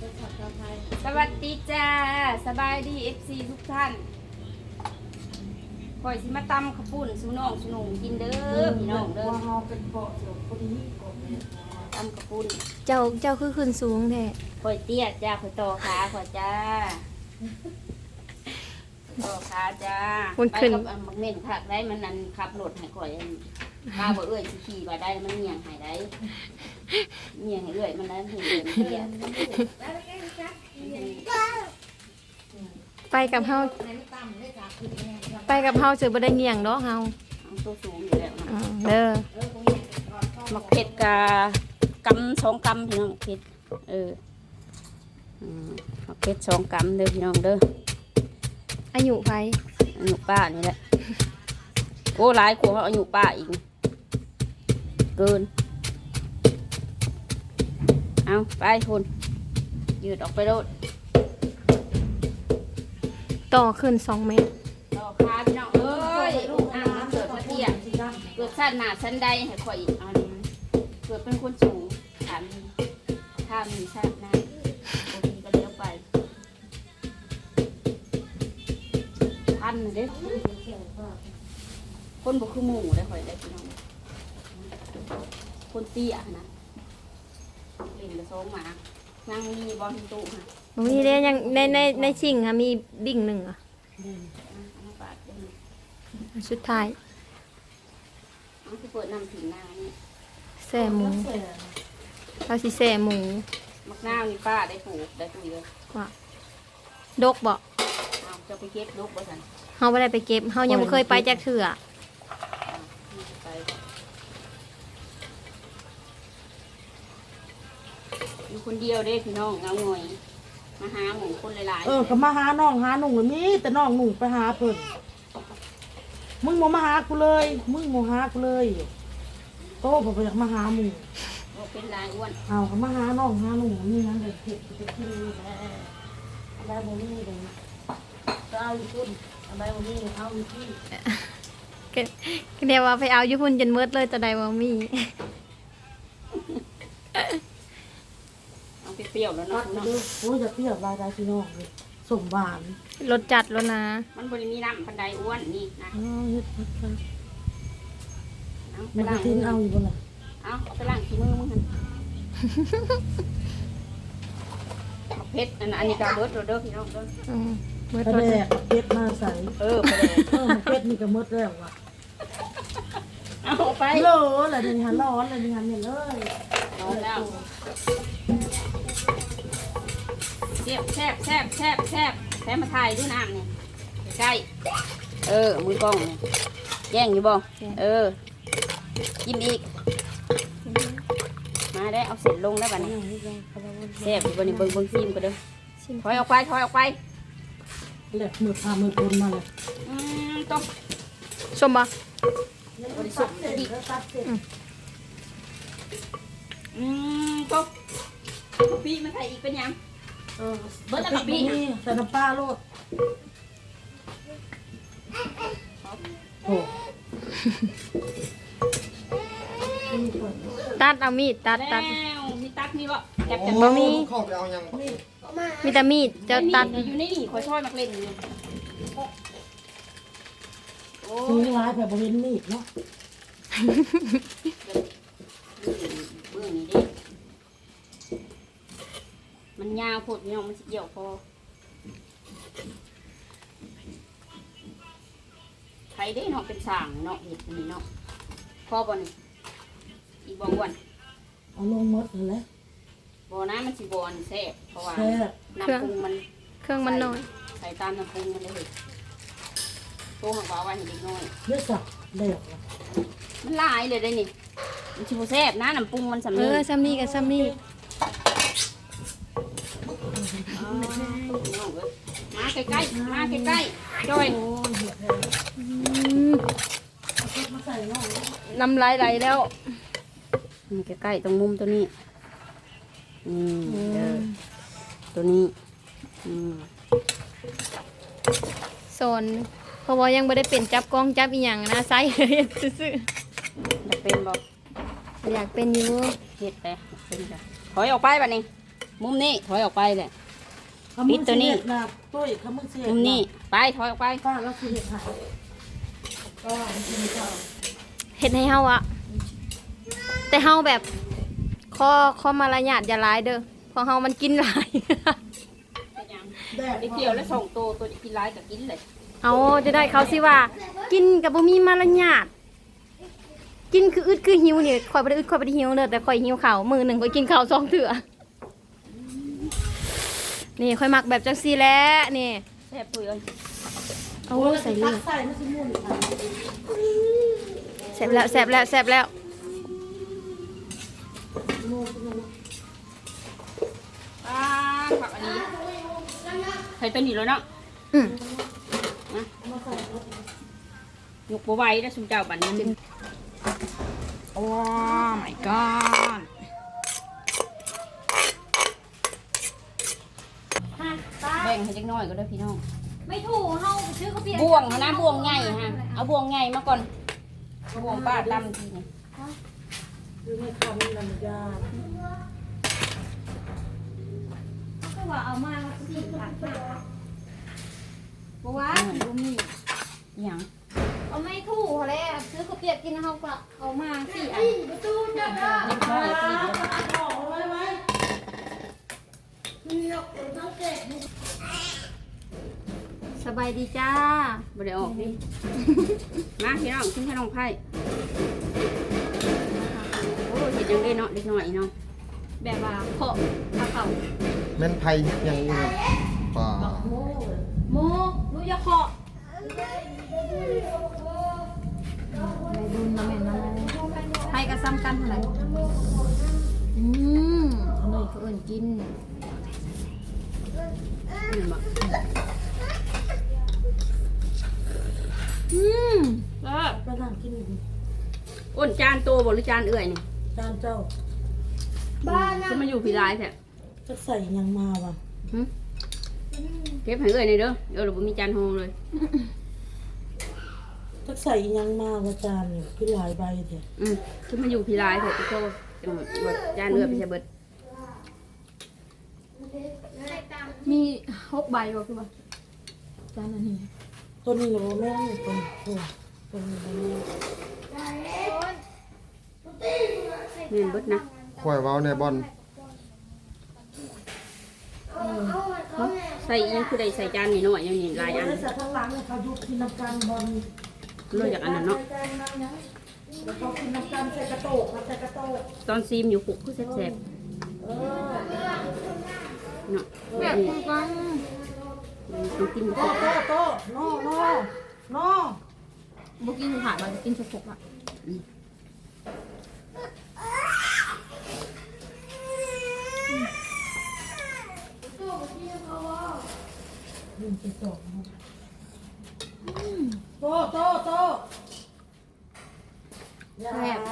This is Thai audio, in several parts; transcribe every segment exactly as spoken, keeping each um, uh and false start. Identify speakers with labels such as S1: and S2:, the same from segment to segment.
S1: สวัสดีจ้าสบายดีเอฟซีทุกท่านข่อยสิมาตำข้าวปุ้นสุน้องสุนุ่งกินเด้อพี่น้องเด้อตำข้าวปุ้น
S2: เจ้าเจ้าคือขึ้นสูงแท้
S1: ข่อยเตี้ยจ้าข่อยต่อขาข่อยจ้าต่อขาจ้าไปกับอันมักเม่นผักได้มันนั่นขับรถให้ข่อยข้าบ่เอ้ยสิขี่บ่ได้มันเหี่ยงให้ได้เหี่ยงให้เอ้ยมันนั้นถึงเดินเตี้ย
S2: ไปกับเฮาไปกับเฮาสิบ่ได้เงี่ยงดอกเฮา
S1: ตัวสูงอยู่แล้วนะ
S2: อือเด้อ
S1: มักเผ็ดกะกำสองกำพี่น้องเผ็ดเอออืมมักเผ็ดสองกำเด้อพี่น้องเด้อ
S2: อายุไผ
S1: อายุป้านี่แหละโอ้หลายกว่าอายุป้าอีกเกินเอาไปคุณยืดออกไปโลด
S2: ต่อขึ้นสองเมตร
S1: ต่อขาพี่น้องเอ้ยลูกอ่างมันเกิดมาเตี้ยเกิดสั้นหนาสั้นใดให้ข่อยอีกอันเกิดเป็นคนสูงถามถ้ามีชาติหน้าโอเคก็เลี้ยวไปพันเด้คนบุคือหมูได้ข่อยได้พี่น้องคนเตี้ยนะเล่นกระโซงหมานั่งมีบอลตู้ค่ะ
S2: บ่มีเด้ยังในในในชิงค่ะมีบิ่งหนึ่งอ่ะ
S1: น้ำปาดเด้อ
S2: สุดท้าย
S1: น้องที่เปิดน้ำถึงนานี่
S2: แซ่หมูเราสิแซ่หมู
S1: มักนาวนี่ป้าได้ปลูกได้ปุ๋ยเลย
S2: ว่าดกบ่
S1: เอาจะไปเก็บลูกบ่สัน
S2: เฮาบ่ได้ไปเก็บเฮายังบ่เคยไปจักเทื่อ
S1: ไปอยู่คนเดียวเด้พี่น้องเงาหน่อยมาหาหมูคนหลายๆ
S3: เออก็มาหาน้องหาหนุ่งเลยมีแต่น้องหนุ่งไปหาเพิ่นมึงบ่มาหากูเลย มึงบ่หากูเลยโตบ่ไปอยากมาหาหมู่
S1: โอ้เป็นลายอ้วน
S3: เอาก็มาหาน้องหาหนุ่งนี่นั่นเลยเผ็ดจะกินแหละอะไรบ่มีเลยก็เอาอยู่พุ่นอะไรบ่มีเอาอยู่ที่
S2: ก็ก็เรียกว่าไปเอาอยู่พุ่นจนหมดเลยแต่ใดบ่มี
S1: เอาเปรี้ยวๆแล้ว
S3: ตั
S1: เนาะ
S3: ดไป
S1: เนาะ
S3: ดูโอ้ยจะเปรี้ยวลายได้พี่น้องเลยสมหวาน
S2: รสจัดแล้วนะ
S1: มันบริมีน้ำพันไดอ้วนนี่นะ
S3: อ๋อเฮ็ดพัดกัน
S1: เอาไป
S3: มัน
S1: ล้าง
S3: ทิ้ง
S1: มือ
S3: เอาอยู่บ่ล่ะ
S1: เอาไปล้างขี้มือมึงหันเอาเพชรอันอันนี้กาเบิร์ดเด้อพี่น้องเด้อ
S2: อืมหมด
S3: กระ
S2: รส
S3: แดกเพชรมาใส่
S1: เออไปเลย
S3: เออเพชรนี่ก็หมดแล้วว่ะ
S1: เอาไป
S3: โลอะไรเดี๋ยวนี้หันร้อนเลยนี่หันเนี่ยเลย
S1: ร้อนแล้วเจ็บแซ่บแซ่บแซ่บแซ่บแซ่บมาถ่ายด้วยน้ำนี่ใกล้เออมือกล้องนี่แย่งอยู่บ่เออกินอีกมาได้เอาเสร็จลงแล้วบัดนี้แซ่บอยู่บัดนี้เบิ่งเบิ่งซิมก็เด้อ
S2: ชิม
S1: ถอยออกไปถอยออกไป
S3: แหลกมือพามือคนมาเลย
S1: อืมต้อง
S2: ชมบ่
S1: บริสุทธิ์ดีอืมต้องพี่มาถ่ายอีกเป็นยัง
S3: เออเบิร์ดกับพี่ใส่น้ำปลาโลดโอ้
S2: ตัดเอามีดตัด
S1: แล้ว
S2: ตัด
S1: มีตักนี่บ่แก็บ
S2: โอ้
S1: จาก
S2: บ่มี
S4: เข้าไปเอายัง
S2: มีแต่มีดเจ้าตัด
S1: อยู่ในนี่คอยช่วยมักเล่นอยู่โอ้
S3: ซื้
S1: ย
S3: อร้ายแบบบริเวณมีดเนาะ
S1: เบื้องนี้ดิมันยาวโพดเนี่ยมันสิเกี่ยวพอใครได้เนาะเป็นสางเนาะเห็ดอันนี้เนาะพอบ่นี่อีกบ่อ้วน
S3: เอาลงมดเลย
S1: บ่นะมันสิบ่อันแซ่บเพราะว่า
S3: แซ่บ
S1: น้ำปรุงมัน
S2: เครื่องมันน้อย
S1: ใส่ตามน้ำปรุงมันเลยโตหักว่าไว้ให้เด็กน้อย
S3: เยอะสักเด็ก
S1: มันหลายเลยได้นี่มันชิบแซ่บนะน้ำปรุงมันสำ
S2: เอ
S1: เร็จ
S2: อซ้ำนี่กับซ้ำนี่
S1: มาใกล้ๆมาใกล้ๆจ้อย
S2: อืมน้ำลายไหลแล้ว
S1: นี่ใกล้ๆตรงมุมตัวนี้นี่เด้อตัวนี้อืม
S2: โซนเพราะว่ายังไม่ได้เป็นจับกล้องจับอีหยังนะไซซื่อ
S1: จะเป็นบอก
S2: ๆอยากเป็นอยู่
S1: เห็ดไปเป็นจ้ะถอยออกไปแบบนี้มุมนี้ถอยออกไปเลย
S3: เขามึง
S1: ปิดตัวนี้
S3: เสียดนะตุ้ยเขามึงเสียด
S1: มุมนี้ไปถอยออกไป
S3: ป้าแล้วคือเห็ดหายก็กินข้าว
S2: เฮ็ดให้เฮาอะแต่เฮาแบบข้อข้อมารยาทอย่าร้ายเด้อเพราะเฮามันกินหลาย
S3: แดด
S1: ไอ้เกี่ยวแล้วส่งตัวตัวกินร้ายกับกินเลย
S2: เอาจะได้เขาสิว่า กินกับบ่มีมารยาทกินคืออึดคือหิวนี่ข่อยบ่ได้อึดข่อยบ่ได้หิวเด้อแต่ข่อยหิวข้าวมื้อหนึงข่อยกินข้าวสองเทื่อนี่ข่อยมักแบบจังซี่แหละนี่
S1: แซ่บปุยเอ้ย
S2: เอาใส่เล
S3: ตั
S2: ย
S3: กใส่ไม่ใช่มุ่นค่ะ
S2: แซ่บแล้วแซ่บแล้วแซ่บแล้ว
S1: ป้าผักอันนี้ใส่ตัวนี้แล้วเนาะ
S2: อืม
S1: ยกบัวไหว้แล้วสุมเจ้าบันนี้
S2: โอ้ my god
S1: แบ่งให้เล็กน้อยก็ได้พี่น้อง
S2: ไม่ถูกเฮาซื้อข้าวเปียก
S1: บ่วงเอานะบ่วงใหญ่ฮะเอาบ่วงใหญ่มาก่อนบ่วงป้าดำทีนี่
S3: คือไม่ทำนี่ลำยา
S2: ก็ว่าเอามาสี่ผัดบ่ว่าบ่มี
S1: อหย่าง
S2: เอาไม่ถูกแล้วซื้อข้าวเปียกกินเฮาก็เอามาสี่อัน
S1: เล็กน้อยปีเดียว
S3: ไว้ไว้
S2: สบายดีจ้า
S1: บ่ได้ออกดิมาพี่น้องขึ้นขนมไผ่โอ้เห็ดยังได้เนาะเล็กน้อยเนาะ
S2: แบบว่าเคาะปลาเข่า
S4: แม่นไผ่ยังอยู่ครับป่า
S2: โมรู้อย่าเคาะในดุนนะแม่นะไทยก็ซ้ำกันเท่าไหร่อืมเขาเลยเขาเอิ่นกิน
S1: นี่บ่
S2: อืม
S1: เออ
S3: ไปนั่งกินอยู่
S1: อ้นจานโตบ่หรือจานเอื่อยนี่
S3: จานเจ้า
S2: บ้านนะ
S1: จะมาอยู่พี่ร้ายแท้
S3: จะใส่ยังมาวะ
S1: หึเก็บให้เอื่อยหน่อยเด้อเออเราบ่มีจานโฮงเลย
S3: จะใส่ยังมาวะจานเนี่ยคือหลายใบเถอะ
S1: อืมคือมาอยู่พี่ร้ายแท้พี่โตอืมว่าจานเอื่อยไปซะเบิด
S2: มีหกใบวะคือว่าจานอันนี้
S3: ตัวนี้โรแม่งตัวตัวตัวนี้โรแม่ง
S1: แม่นเบิดนะ
S4: ข่อยเว้าในบ่อน
S1: ใส่อีหยังคือได้ใส่จานนี่น้อยอย่างนี้หลายอัน
S3: ใส่ข้างหลังเนี่ยเขายุบกินน้ำกันบอล
S1: เลยจากอันนั้นเนาะ
S3: แล้วเขากินน้ำกันใส่กระโตกใส่กระโตก
S1: ตอนซีมอยู่คุกคือแซ่บ
S3: เออ
S1: ๆเนาะ
S2: แบบคุณกัน
S1: ต้องกิน
S3: โต
S1: กับ
S3: โตโตโน่โน่โน่
S2: บุกินผ่านมากินสกปรกอ่ะ
S3: ยิงไปสองโตโตโตอย่า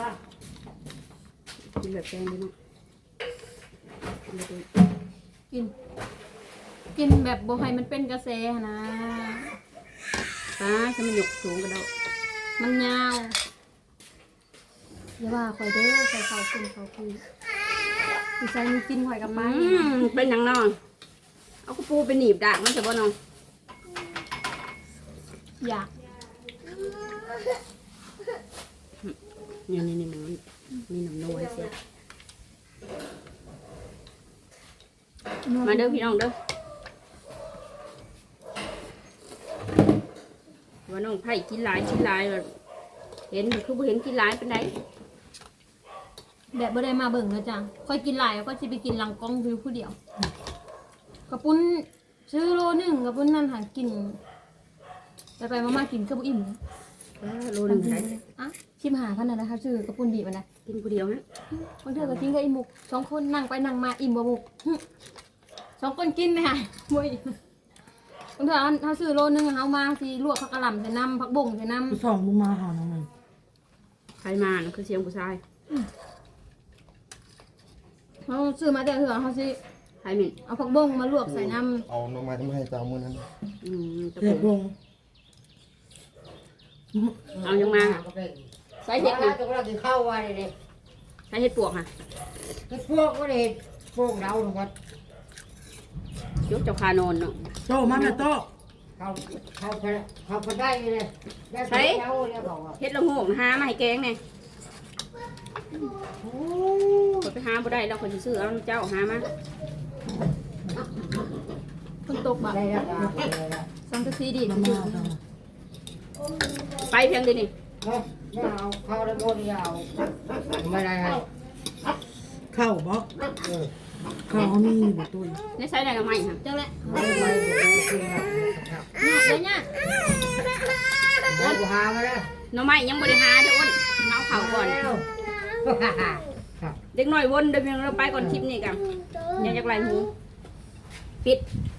S1: กินแบบแกงดีเนาะกินแบบนี้
S2: กิน กินแบบบ่ให้มันเป็นกระแสนะ
S1: ป้าจะมันหยกสูงกระเดา
S2: มันยาวอย่าว่าข่อยเด้อใส่เขาขึ้นเขาคือสิใส่มีกินข่อยกับไป
S1: อืมเป็นหยังนอนเอากระปูไปหนีบดากมันจะบ่นอน
S2: อยาก
S1: นี่นี่นี่มันมีน้ำนวลเสียมาเด้อพี่น้องเด้อว่าน้องไผ่กินหลายกินหลายเลยเห็นคือบ่เห็นกินหลายเป็นได
S2: แบบบ่ได้มาเบิ่งนะจ้ะค่อยกินหลายแล้วก็สิไปกินหลังกล้องคือผู้เดียวกระปุ้นซื้อโลหนึงกระปุ้นนั่นหากินไปไปๆมาๆกินก็บ่อิ่มนะ
S1: เออโลหนึงได้
S2: อ่ะชิมหาพันน่ะนะคะซื้อกระปุ้นบีบมันนะ
S1: กินผู้เดียวฮะ
S2: บางเทื่อก็กินกับอีหมุกสองคนนั่งไปนั่งมาอิ่มบ่หมุกหึสองคนกินนะคะบ่อิ่มบางเทื่อเอาเฮาซื้อโลนึงเฮามาสิลวกผักกะหล่ำใส่น้ำผักบ่งใส่น้ำ
S3: ผู้สองมึงมาหาน้องมัน
S1: ใครมานะคือเสียงผู้ชาย
S2: เฮาซื้อมาแต่เทื่อเฮาสิ
S1: ใครหมิ่น
S2: เอาผักบ่งมาลวกใส่น้ำ
S4: เอาหน่อไม้มาให้เจ้ามื้อนั้น
S1: อืมจะ
S3: เรียบ
S1: ปู
S3: ลง
S1: เอายังมาใส่เห็ด
S5: นะ
S1: นะ
S5: ก็เรากินข้าววันนี้
S1: ใส่เห็ดปวกค่ะ
S5: พวกก็เลยพวกเราหนูว่า
S1: ยุกเจ้าคานอนเนาะ
S3: โตมาแม่โต
S5: เขาเขาเขาเขาได้เลยได้ไปแล้วเรียกบอกว่า
S1: เฮ็ดละโงกหามาให้แกงแน่
S3: โอ้
S1: ข่อยไปหาบ่ได้แล้วข่อยสิซื้อเอาน้ำเจ้าหามา
S2: คนตกบ่
S5: ได้แล้ว
S2: สังกะสีดีด
S3: มามาเอา
S1: ไปเพียงเดียวนี่
S5: ไม่ไม่เอาเขาได้หมดยาวไม่ได้ให้
S3: เข้าบ่เข้ามีบ่ตุ้ย
S1: ในใช้ได้กับไม้ค่ะ
S2: จังแหละ
S5: ไม่ได้จริงครับ
S2: เดี๋ยวเนี่ย
S5: ได้กูหามาแล้ว
S1: หน่อไม้ยังบ่ได้หาเด้ออ้นเอาเข้าก่อน
S5: ครับ
S1: เด็กน้อยวนเดี๋ยวเพียงเราไปก่อนคลิปนี้กันอย่าจักไหลหูปิด